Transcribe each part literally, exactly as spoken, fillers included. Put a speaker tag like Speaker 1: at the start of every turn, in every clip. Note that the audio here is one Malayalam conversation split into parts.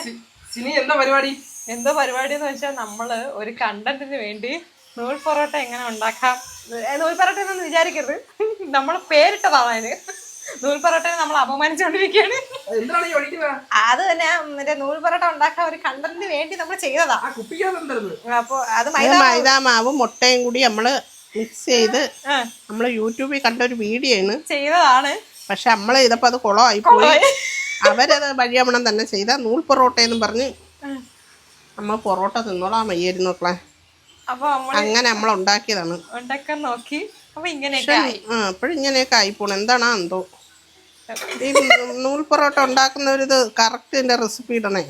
Speaker 1: എന്താ പരിപാടി
Speaker 2: എന്തോ പരിപാടി എന്ന് വെച്ചാൽ നമ്മള് ഒരു കണ്ടന്റിന് വേണ്ടി നൂൽ പൊറോട്ട എങ്ങനെ ഉണ്ടാക്കാം. നൂൽ പൊറോട്ട എന്നൊന്നും വിചാരിക്കരുത്, നമ്മൾ പേരിട്ടതാണ് അതിന്. നൂൽ പൊറോട്ടയെ നമ്മൾ അപമാനിച്ചുകൊണ്ടിരിക്കുകയാണ്. അത് തന്നെ മറ്റേ നൂൽ പൊറോട്ട ഉണ്ടാക്കാൻ ഒരു കണ്ടന്റിന് വേണ്ടി നമ്മൾ ചെയ്തതാ. അപ്പൊ അത്
Speaker 3: മൈദാ മാവും മുട്ടയും കൂടി നമ്മള് മിക്സ് ചെയ്ത് നമ്മള് യൂട്യൂബിൽ കണ്ട ഒരു വീഡിയോ ആണ്
Speaker 2: ചെയ്തതാണ്.
Speaker 3: പക്ഷെ നമ്മള് ചെയ്തപ്പോ അത് കുളമായി പോയി. അവരത് വഴിയമ്മണം തന്നെ ചെയ്ത നൂൽ പൊറോട്ട എന്ന് പറഞ്ഞ് നമ്മൾ പൊറോട്ട തിന്നോളാൻ വയ്യായിരുന്നു മക്കളെ.
Speaker 2: അപ്പൊ
Speaker 3: അങ്ങനെ നമ്മൾ ഉണ്ടാക്കിയതാണ്.
Speaker 2: ഉണ്ടാക്കാൻ നോക്കി അപ്പൊ ഇങ്ങനെയൊക്കെ
Speaker 3: ആ അപ്പോഴും ഇങ്ങനെയൊക്കെ ആയിപ്പോണം. എന്താണോ എന്തോ ഈ നൂൽ പൊറോട്ട ഉണ്ടാക്കുന്നവരിത് കറക്റ്റ് റെസിപ്പി ഇടണേ.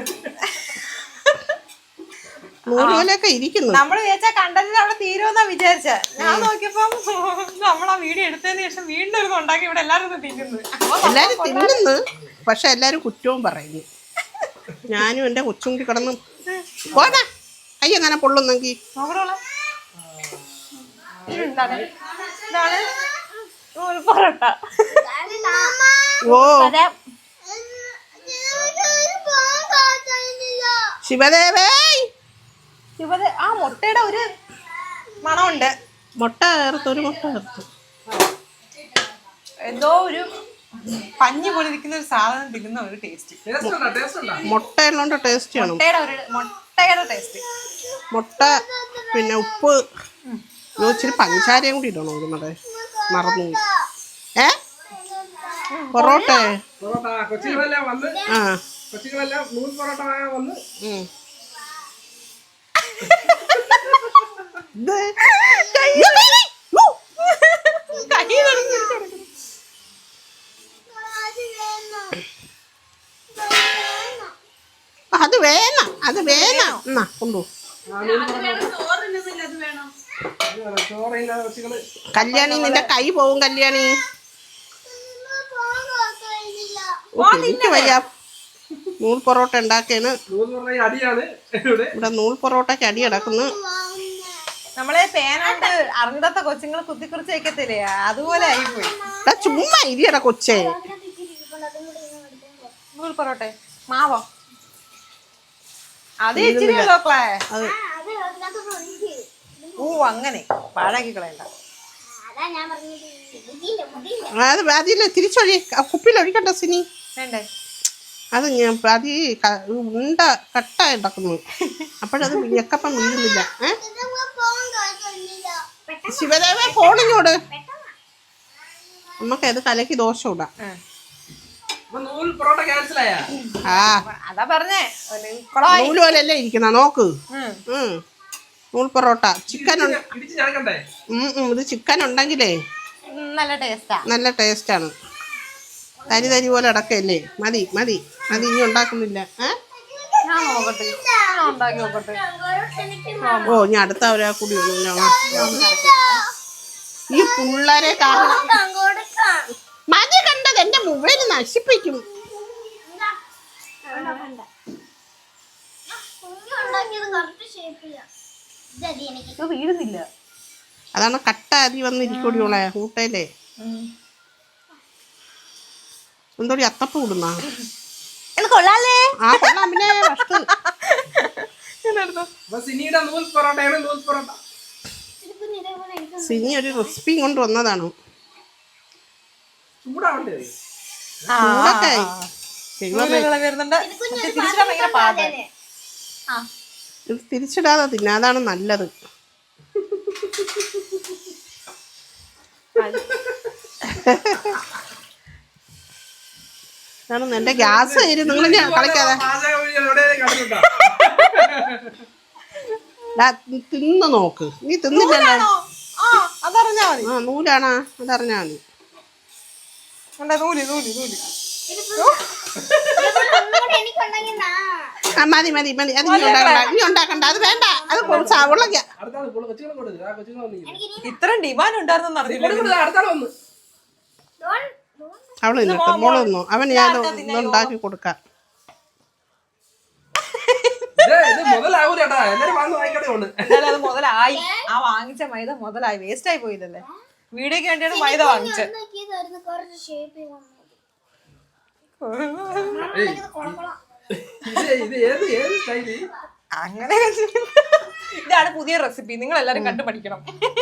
Speaker 3: നൂലുപോലെയൊക്കെ ഇരിക്കുന്നു.
Speaker 2: നമ്മള് വിചാരിച്ച കണ്ടന്റ് അവിടെ തീരുമെന്നാ വിചാരിച്ച. ഞാൻ നോക്കിയപ്പം നമ്മൾ ആ വീഡിയോ എടുത്തതിന് ശേഷം വീണ്ടും ഒരു ഉണ്ടാക്കി ഇവിടെ എല്ലാരും തിന്നുന്നു.
Speaker 3: എല്ലാരും തിന്നുന്നു, പക്ഷെ എല്ലാരും കുറ്റവും പറയുന്നു. ഞാനും എന്റെ കൊച്ചും കൂടി കിടന്നു പോടാ കൈ അങ്ങനെ പൊള്ളുന്നെങ്കിൽ.
Speaker 2: പൊറോട്ട
Speaker 3: ഓ ശിവദേവേ,
Speaker 2: ശിവദേ ആ മുട്ടയുടെ ഒരു മണമുണ്ട്.
Speaker 3: മുട്ട ചേർത്ത് ഒരു മുട്ട ചേർത്ത്
Speaker 2: എന്തോ ഒരു പഞ്ഞി പോലെ ഇരിക്കുന്ന ഒരു സാധനം തിന്നുന്ന ഒരു ടേസ്റ്റ്.
Speaker 3: മുട്ടയുള്ളോണ്ട് ടേസ്റ്റ് ആണ്.
Speaker 2: മുട്ടയുടെ ഒരു മുട്ടയുടെ ടേസ്റ്റ്.
Speaker 3: മുട്ട പിന്നെ ഉപ്പ് ഇച്ചിരി പഞ്ചാരയും കൂടി ഇടണോ നമ്മുടെ മറന്നു. ഏ പൊറോട്ട ആ അത് വേണം അത് വേണം എന്നാ കൊണ്ടു. കല്യാണി നിന്റെ കൈ പോവും കല്യാണി. എനിക്ക് വയ്യ. നൂൽ പൊറോട്ട ഉണ്ടാക്കിയാണ് ഇവിടെ. നൂൽ പൊറോട്ടയ്ക്ക് അടി കിടക്കുന്നു.
Speaker 2: നമ്മളെ പേനാണ്ട് അറിഞ്ഞിടത്ത കൊച്ചുങ്ങൾ കുത്തിക്കുറിച്ച് വെക്കത്തില്ലേ, അതുപോലെ ആയിപ്പോയി.
Speaker 3: ചുമ്മാ ഇരിയടാ കൊച്ചേ.
Speaker 2: നൂൽ പൊറോട്ട മാവോ അത് ഇച്ചിരി നോക്കളേ. ഓ അങ്ങനെ പാഴാക്കി കളയണ്ട.
Speaker 3: അത് അതിൽ തിരിച്ചൊഴി കുപ്പിയിൽ ഒഴിക്കണ്ട സിനി.
Speaker 2: വേണ്ടേ
Speaker 3: അത് ഞാൻ അതി ഉണ്ട കട്ടായി ഉണ്ടാക്കുന്നു. അപ്പോഴത് ഞെക്കപ്പം വീഴുന്നില്ല. ശിവദേവ ഫോണിങ്ങോട് നമുക്ക് അത് കലക്കി ദോശ ഇടാം. ആ
Speaker 2: അതാ പറഞ്ഞേ
Speaker 3: നൂല് പോലെയല്ലേ ഇരിക്കുന്ന നോക്ക്. നൂൽ പൊറോട്ട ചിക്കൻ ഇത് ചിക്കൻ ഉണ്ടെങ്കിലേ
Speaker 2: നല്ല ടേസ്റ്റാ.
Speaker 3: നല്ല ടേസ്റ്റാണ്. തരി തരി പോലെ അടക്കല്ലേ. മതി മതി മതി ഇനി ഉണ്ടാക്കുന്നില്ല. ഓ ഞാൻ അടുത്ത ഒരാ കൂടി ഈ പിള്ളേരെ കാരണം മതി കണ്ടത് എന്റെ മൊബൈൽ നശിപ്പിക്കും.
Speaker 2: വീഴുന്നില്ല.
Speaker 3: അതാണ് കട്ട അരി വന്നിരിക്കൂടിയോളെ കൂട്ടയിലേ. എന്തോടി അത്തപ്പം ഇടുന്ന
Speaker 2: കൊള്ളാലേ.
Speaker 3: ആ കൊള്ളാം. പിന്നെ സിനി ഒരു റെസിപ്പി കൊണ്ട് വന്നതാണ്. ഇത് തിരിച്ചിടാതെ തിന്നാതാണ് നല്ലത്. എന്റെ ഗ്യാസ് നിങ്ങൾ കളിക്കാതെ തിന്ന് നോക്ക്. നീ തിന്നില്ലല്ലോ. ആ നൂലാണാ അതറിഞ്ഞാ മതി. മതി മതി മതി അത് നീ ഉണ്ടാക്കണ്ട. നീ ഉണ്ടാക്കണ്ട. അത് വേണ്ട. അത് ഉള്ള
Speaker 2: ഇത്രയും ഡിമാൻഡ് ഉണ്ടായിരുന്നു അറിയില്ല.
Speaker 3: അവള് നിന്നിട്ട് മോള് നിന്നു. അവൻ ഞാൻ ഉണ്ടാക്കി കൊടുക്കാം.
Speaker 2: മുതലായി. ആ വാങ്ങിച്ച മൈദ മുതലായി. വേസ്റ്റ് ആയി പോയില്ലല്ലേ. വീഡിയോക്ക് വേണ്ടിയാണ് മൈദ വാങ്ങിച്ചത്. അങ്ങനെ ഇതാണ് പുതിയ റെസിപ്പി, നിങ്ങൾ എല്ലാരും കണ്ടു പഠിക്കണം.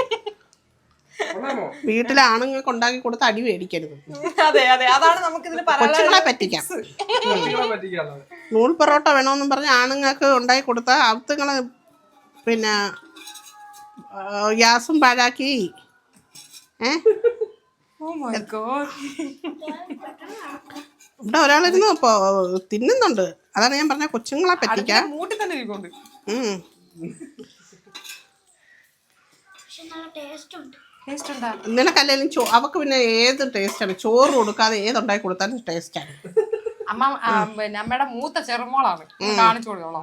Speaker 3: വീട്ടിലെ ആണുങ്ങൾക്ക് ഉണ്ടാക്കി കൊടുത്ത് അടി മേടിക്കരുത്.
Speaker 2: അതെ അതെ, അതാണ് നമുക്ക് ഇതിന്
Speaker 3: കൊച്ചുങ്ങളെ പറ്റിക്കാം. നൂൽ പൊറോട്ട വേണമെന്നും പറഞ്ഞ് ആണുങ്ങൾക്ക് ഉണ്ടാക്കി കൊടുത്ത അവത്തുങ്ങള് പിന്നെ ഗ്യാസും പാഴാക്കി. ഏ ഇവിടെ ഒരാളിരുന്നു ഇപ്പൊ തിന്നുന്നുണ്ട്. അതാണ് ഞാൻ പറഞ്ഞ കൊച്ചുങ്ങളെ പറ്റിക്കാം.
Speaker 2: മൂട്ടി തന്നെ ഇരിക്കുന്നുണ്ട്.
Speaker 3: ഉം നിനക്കല്ലേലും ചോ അവക്ക് പിന്നെ ഏത് ടേസ്റ്റാണ്, ചോറ് കൊടുക്കാതെ ഏതുണ്ടാക്കി കൊടുത്താലും ടേസ്റ്റാണ്.
Speaker 2: അമ്മ പിന്നെ അമ്മയുടെ മൂത്ത ചെറുമോളാണ്, കാണിച്ചു കൊടുത്തോളാം.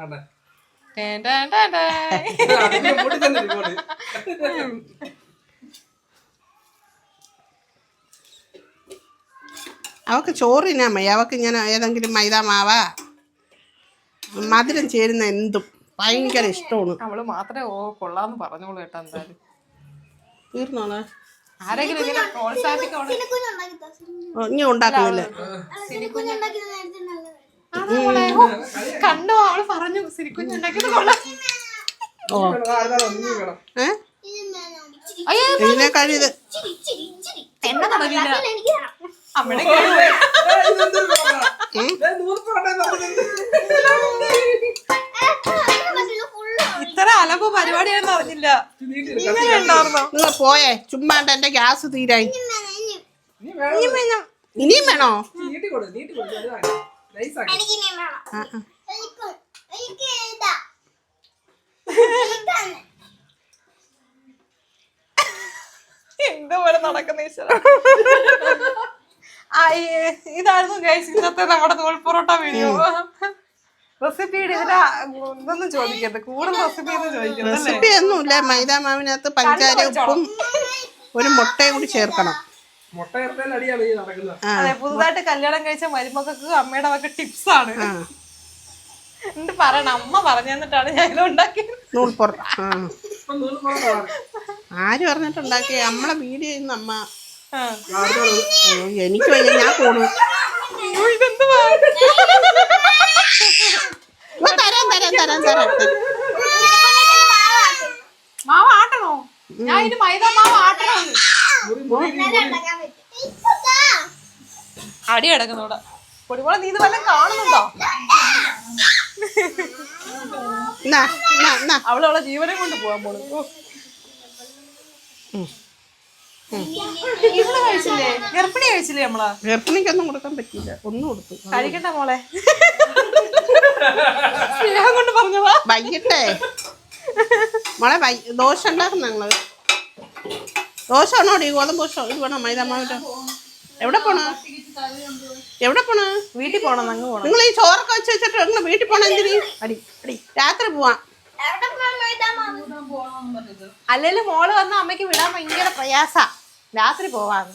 Speaker 3: അവക്ക് ചോറിനാ മതി. അവക്ക് ഇങ്ങനെ ഏതെങ്കിലും മൈദ മാവ മധുരം ചേരുന്ന എന്തും ഭയങ്കര ഇഷ്ടമാണ്.
Speaker 2: അവള് മാത്രമേ ഓ കൊള്ളാന്ന് പറഞ്ഞോളൂ കേട്ടോ. എന്തായാലും
Speaker 3: തീർന്നോളെ.
Speaker 2: ആരെങ്കിലും ഇങ്ങനെ പ്രോത്സാഹിപ്പിക്കോളൂ.
Speaker 3: ഇനി ഉണ്ടാക്കുന്നില്ലേ?
Speaker 2: കണ്ടോ, അവള് പറഞ്ഞു സിരിക്കുഞ്ഞ് ഉണ്ടാക്കിയത് കൊള്ളാം.
Speaker 3: ഏഹ് ഇതിനെ കഴിയത്
Speaker 2: എണ്ണ തുടങ്ങിയില്ല. അമ്മയുടെ ഇത്ര അലമ്പ് പരിപാടിയാണെന്ന് അറിഞ്ഞില്ല. ഇങ്ങനെ ഉണ്ടായിരുന്നോ?
Speaker 3: നിങ്ങൾ പോയേ, ചുമ്മാണ്ട് എന്റെ ഗ്യാസ് തീരായി. ഇനിയും വേണോ?
Speaker 2: എന്തോ പോലെ നടക്കുന്ന ഇതായിരുന്നു ഗൈസ് ഇന്നത്തെ നമ്മുടെ നൂൽ പൊറോട്ട വീഡിയോ. റെസിപ്പിയുടെ ഇതിന്റെ ഇതൊന്നും ചോദിക്കരുത്, കൂടുതൽ റെസിപ്പി ഒന്നും ചോദിക്കരുത്.
Speaker 3: റെസിപ്പി ഒന്നുമില്ല. മൈദാ മാവിനകത്ത് പഞ്ചാര ഉപ്പും ഒരു മുട്ടയും കൂടി ചേർക്കണം.
Speaker 2: അതെ, പുതുതായിട്ട് കല്യാണം കഴിച്ച മരുമക്കൾക്ക് അമ്മയുടെ ഒക്കെ ടിപ്സ് ആണ്. എന്നിട്ട് പറയണം, അമ്മ പറഞ്ഞു തന്നിട്ടാണ് ഞാൻ ഇത് ഉണ്ടാക്കിയത്.
Speaker 3: നൂൽ പൊറോട്ട ആര് പറഞ്ഞിട്ടുണ്ടാക്കിയ? നമ്മളെ വീഡിയോ ചെയ്യുന്ന അമ്മ. എനിക്ക് വയ്യ, ഞാൻ പോണു. തരാം തരാം തരാം തരാം.
Speaker 2: മാവ് ആട്ടണോ? ഞാൻ ഇത് മൈദ മാവ് ആട്ടണോ? അടി കിടക്കുന്നോടെ പൊടിമോളെ, നീ ഇത് വല്ലതും കാണുന്നുണ്ടോ? അവള് അവളെ ജീവനെ കൊണ്ട് പോവാൻ പോണു. ഇവള് കഴിച്ചില്ലേ? ഗർഭിണി കഴിച്ചില്ലേ? നമ്മളാ
Speaker 3: ഗർഭിണിക്കൊന്നും കൊടുക്കാൻ പറ്റില്ല. ഒന്നും കൊടുത്തു
Speaker 2: കഴിക്കണ്ട മോളെ, സ്നേഹം കൊണ്ട് പറഞ്ഞതാ.
Speaker 3: വൈകിട്ടേ മോളെ വൈ ദോശ ഉണ്ടാക്കുന്ന ഞങ്ങള്. ദോശ ആണോ? ഡി ഗോതമ്പ് ദോശ ഇത് വേണോ? മൈദാമാവിന്റെ എവിടെ പോണ? എവിടെ പോണ?
Speaker 2: വീട്ടിൽ പോണം. അങ്ങ് പോണം.
Speaker 3: നിങ്ങൾ ഈ ചോറൊക്കെ വെച്ച് വെച്ചിട്ട് നിങ്ങൾ വീട്ടിൽ പോണ എന്തിന്? അടി അടി രാത്രി പോവാം.
Speaker 2: അല്ലേലും മോള് വന്ന അമ്മയ്ക്ക് വിടാൻ ഭയങ്കര പ്രയാസ. രാത്രി പോവാന്ന്.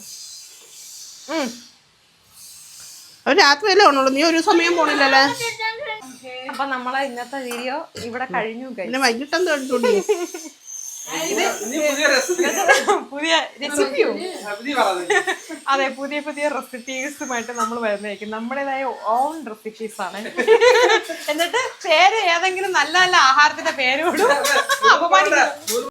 Speaker 3: അവർ രാത്രി അല്ലേ ഉള്ളൂ. നീ ഒരു സമയം പോണില്ലല്ലേ?
Speaker 2: അപ്പൊ നമ്മളെ ഇന്നത്തെ വീഡിയോ ഇവിടെ കഴിഞ്ഞു.
Speaker 3: പിന്നെ വൈകിട്ടെന്ത് കണ്ടുകൂടി?
Speaker 2: പുതിയ റെസിപ്പിയോ? അതെ, പുതിയ പുതിയ റെസിപ്പീസുമായിട്ട് നമ്മൾ വരുന്നതായിരിക്കും. നമ്മുടേതായ ഓൺ റെസിപ്പീസ് ആണ്. എന്നിട്ട് പേര് ഏതെങ്കിലും നല്ല നല്ല ആഹാരത്തിന്റെ പേരോടും അപമാനിക്കും.